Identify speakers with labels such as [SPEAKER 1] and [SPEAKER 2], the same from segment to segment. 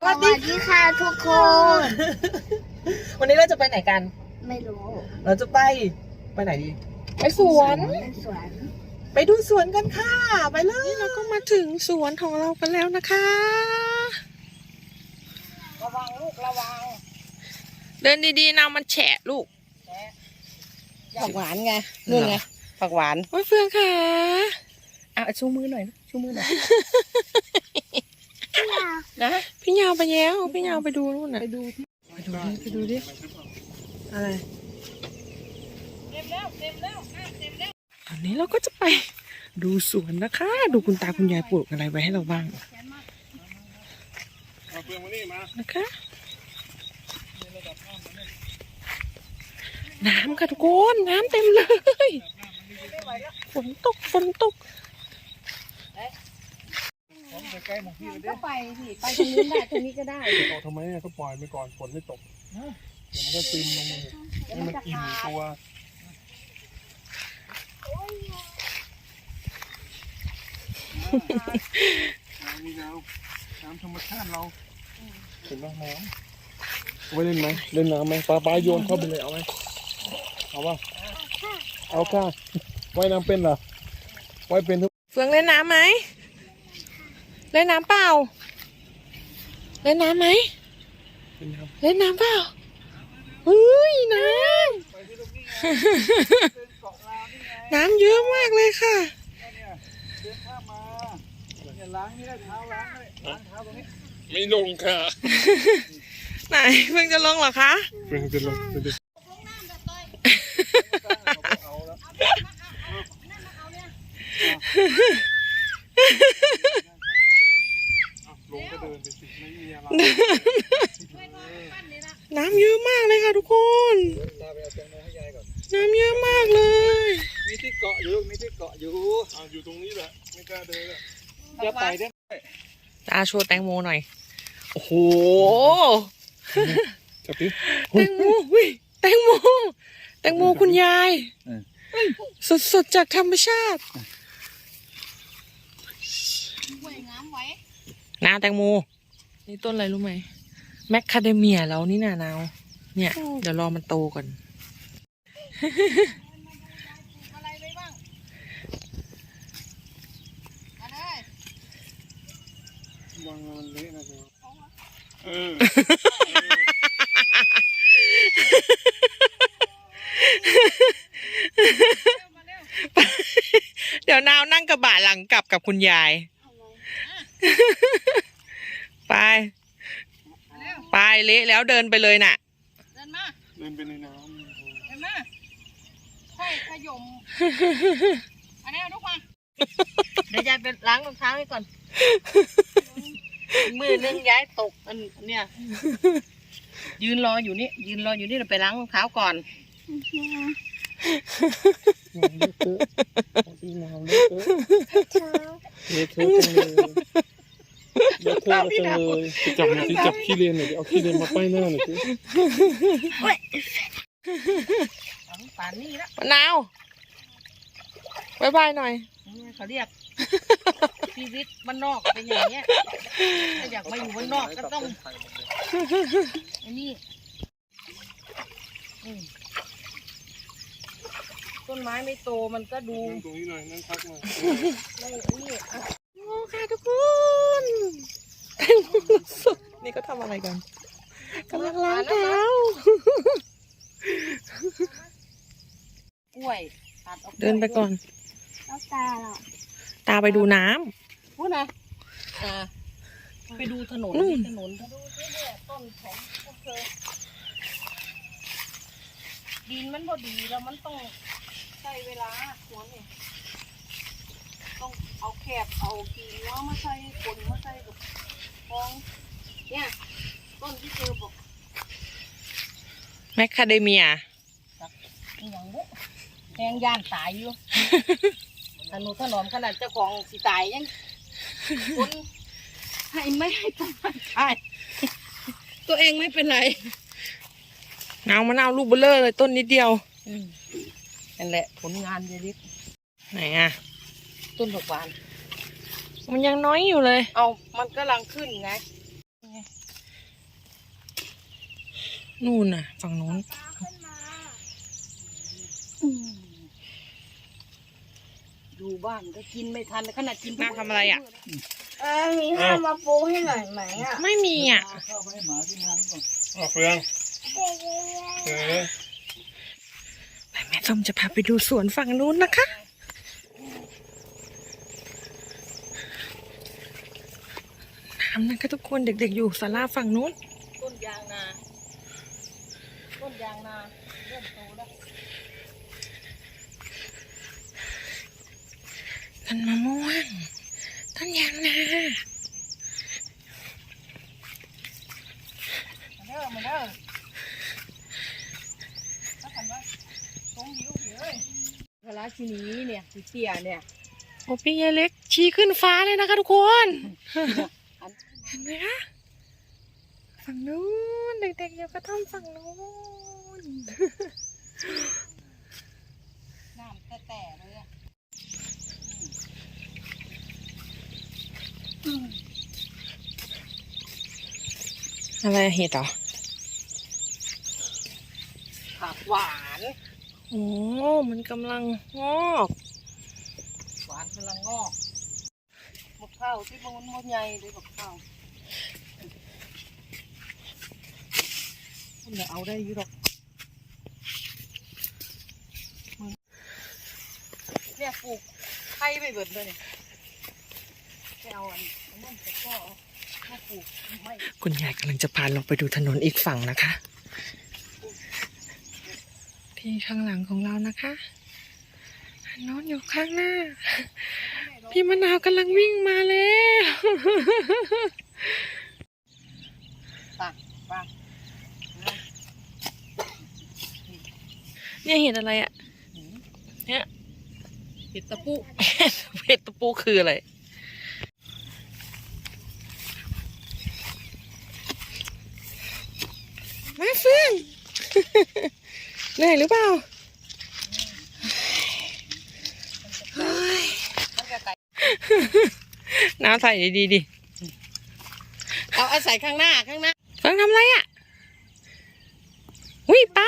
[SPEAKER 1] สวัสดีค่ะทุกคน
[SPEAKER 2] วันนี้เราจะไปไหนกัน
[SPEAKER 1] ไม่รู้
[SPEAKER 2] เราจะไปไหนดีไปสวนไปดูสวนกันค่ะไปเลยเราก็มาถึงสวนของเรากันแล้วนะคะระวังลูกระวังเดินดีๆนะมันแฉะลูกผักหวานไงนู่นไงผักหวานโอ้ยเฟืองค่ะชูมือหน่อยชูมือหน่อยนะพี่ยาวไปแล้วพี่ยาวไปดูนู่นน่ะไปดูดิอะไรเต็มแล้วตอนนี้เราก็จะไปดูสวนนะคะดูคุณตาคุณยายปลูกอะไรไว้ให้เราบ้างนะคะน้ำค่ะทุกคนน้ำเต็มเลยฝนตก
[SPEAKER 1] ก็ไปสิไปตรงนี้ได้ตรงนี้ก็ได้
[SPEAKER 3] ออกทำไมก็ปล่อยไปก่อนฝนไม่ตกเดี๋ยวมันก็ซึมลงมาให้มันอิ่มตัวน้ำธรรมชาติเราเห็นไหมน้ำไว้เล่นไหมเล่นน้ำไหมปลาโยนเข้าไปเลยเอาไหมเอาป่ะเอาค่ะว่ายน้ำเป็นเหรอว่ายเป็นทุก
[SPEAKER 2] เฟืองเล่นน้ำไหมเล่นน้ำเปล่าเล่นน้ำไหมเล่นน้ำเปล่าเฮ้ยน้ำน้ำเยอะมากเลยค่ะ
[SPEAKER 3] ไม่ลงค่ะ
[SPEAKER 2] ไหนเพิ่งจะลงเหรอคะ
[SPEAKER 3] เพิ่งจะลงก็เดินไปสิไม่มีอะไร
[SPEAKER 2] น้ำเยอะมากเลยค่ะทุกคนน้ำเยอะมากเลย
[SPEAKER 3] มีที่เกาะอยู่อยู่ตรงนี้แหละไม่กล้าเดินเลยจะไปได้
[SPEAKER 2] ตาโชว์แตงโมหน่อยโอ้โห
[SPEAKER 3] จับดิ
[SPEAKER 2] แตงโมแตงโมคุณยายสดจากธรรมชาติน้าแตงโมนี่ต้นอะไรรู้ไหมแมคคาเดเมียแล้วนี่น่ะนาวเนี่ยเดี๋ยวรอมันโตก่อน
[SPEAKER 3] วางมันเละนะ
[SPEAKER 2] เดี๋ยวนาวนั่งกระบะหลังกลับกับคุณยายไปเละแล้วเดินไปเลยน่ะ
[SPEAKER 3] เดินไปในน้ำ
[SPEAKER 1] เห็นไหมค่อยขยมอันนี้ลูกมาเดี๋ยวยายไปล้างรองเท้าให้ก่อนมือนึงย้ายตกอันเนี้ยยืนรออยู่นี่เราไปล้างรองเท้าก่อน
[SPEAKER 3] น้ำเละเละจังเลยเละจังเลยจับขี้เลนหน่อยเอาขี้เลนมาป้ายหน้าหน่อยสิ
[SPEAKER 1] ป่านนี้แล้ว
[SPEAKER 2] มะนาวบายหน่อย
[SPEAKER 1] เขาเรียกชีวิตบ้านนอกเป็นอย่างเงี้ยถ้าอยากมาอยู่บ้านนอกก็ต้องอันนี้ต้นไม้ไม่โตมันก็ดู
[SPEAKER 3] ตรงนี้หน่อยนั่งพักหน่อย
[SPEAKER 1] ไม่นี่
[SPEAKER 2] โอ้ค่ะทุกคนแตงโมสดนี่ก็ทำอะไรกันกำลังล้างเท้าก
[SPEAKER 1] ล้วย
[SPEAKER 2] เดินไปก่อน
[SPEAKER 1] แล้ว
[SPEAKER 2] ตาไปดูน้
[SPEAKER 1] ำพูดนะไปดูถนนดูที่เนี่ยต้นของพวกเธอดินมันพอดีแล้วมันต้องใช้เวลาหัวนี่ต้องเอาแคบเอากิ่งเนาะมาใส่คนมาใส่แบบฟองเนี่ยต้นที่เธอบอก
[SPEAKER 2] แมคคาเดเมีย
[SPEAKER 1] อย่างบุแทงย่านตายอยู่ถนนขนาดเจ้าของสิตายยังคนไม่ให้ต้นไม้ตายตัวเองไม่เป็นไร
[SPEAKER 2] มะนาวลูกเบลเลอร์เลยต้นนิดเดียว
[SPEAKER 1] นั่นแหละผลงานเยลิศ
[SPEAKER 2] ไหนอ่ะ
[SPEAKER 1] ต้นผักหวาน
[SPEAKER 2] มันยังน้อยอยู่เลย
[SPEAKER 1] เอามันกำลังขึ้นไง
[SPEAKER 2] นู่นน่ะ ฝั่งโน้น
[SPEAKER 1] อยู่บ้านก็กินไม่ทันขนาดกิน
[SPEAKER 2] น้าทำอะไรอ่ะ
[SPEAKER 4] มีข้าวมาปูให้หน่อยไหมอ่ะ
[SPEAKER 2] ไม่มีอ่ะ
[SPEAKER 3] เฟือง
[SPEAKER 2] แม่ส้มจะพาไปดูสวนฝั่งนู้นนะคะ น้ำนะคะทุกคนเด็กๆอยู่ศาลาฝั่งนู้น
[SPEAKER 1] ต้นยางนาเริ่มโตแล้ว
[SPEAKER 2] ต้นมะม่วง ต้นยางนา
[SPEAKER 1] มาเด้อถ้าขันว่าตรงยิ้วเลยเวลาชีนี้เนี่ยสีเสียเนี่ย
[SPEAKER 2] โอ้พี่ยายเล็กชี้ขึ้นฟ้าเลยนะคะทุกคน เห็นไหมคะ ฝั่งนู้นเด็กๆอยู่กระท่อมฝั่งนู้น
[SPEAKER 1] น้ำแต่เลยอะ
[SPEAKER 2] อะไรเห็ดเหรอ
[SPEAKER 1] ผักหวาน
[SPEAKER 2] โอ้มันกำลังงอก
[SPEAKER 1] หวานกำลังงอกมะพร้าวที่มันมดใหญ่เลยมะพร้าวมันจะเอาได้อยี่หรอกเนี่ยปลูกไข่ไปเบิดเลยเนี่ยไปเอาอันนั้นแต่ก็มาปลูกไม่
[SPEAKER 2] คุณยายกำลังจะพาลงไปดูถนนอีกฝั่งนะคะ ที่ข้างหลังของเรานะคะอันโน้นอยู่ข้างหน้า พี่มะนาวกำลังวิ่งมาแล้ว
[SPEAKER 1] ตักปลา
[SPEAKER 2] เนี่ยเห็นอะไรอะเนี่ย
[SPEAKER 1] เห็ดตะปู
[SPEAKER 2] เห็ดตะปูคืออะไร มาเฟื่อง เหนื่อยหรือเปล่าเฮ้ย
[SPEAKER 1] มันจะไก่
[SPEAKER 2] น้ำใส่ดีๆดิ
[SPEAKER 1] เอาใส่ข้างหน้า
[SPEAKER 2] เฟื่องทำอะไรอ่ะอุ้ยป้า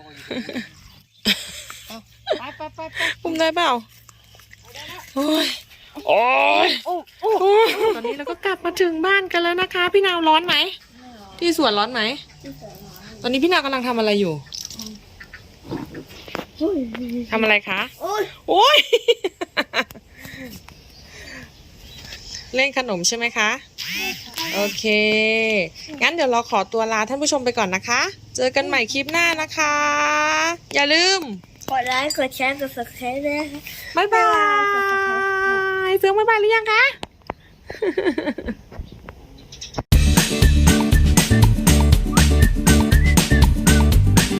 [SPEAKER 1] ไป
[SPEAKER 2] อุ้มได้เปล่าโอ้ยโอ้ย
[SPEAKER 1] โอ้
[SPEAKER 2] โอ้ยตอนนี้เราก็กลับมาถึงบ้านกันแล้วนะคะ พี่นาวร้อนไหมที่สวนร้อนไหมตอนนี้พี่นาวกำลังทำอะไรอยู่ทำอะไรคะโอ้ย เล่นขนมใช่ไหมคะโอเคงั้นเดี๋ยวเราขอตัวลาท่านผู้ชมไปก่อนนะคะ เจอกันใหม่คลิปหน้านะคะ อย่าลืม
[SPEAKER 4] กดไลค์กดแชร์กด subscribe ด้วยนะคะ
[SPEAKER 2] บ๊ายบายเฟืองบ๊ายบายหรือยังคะ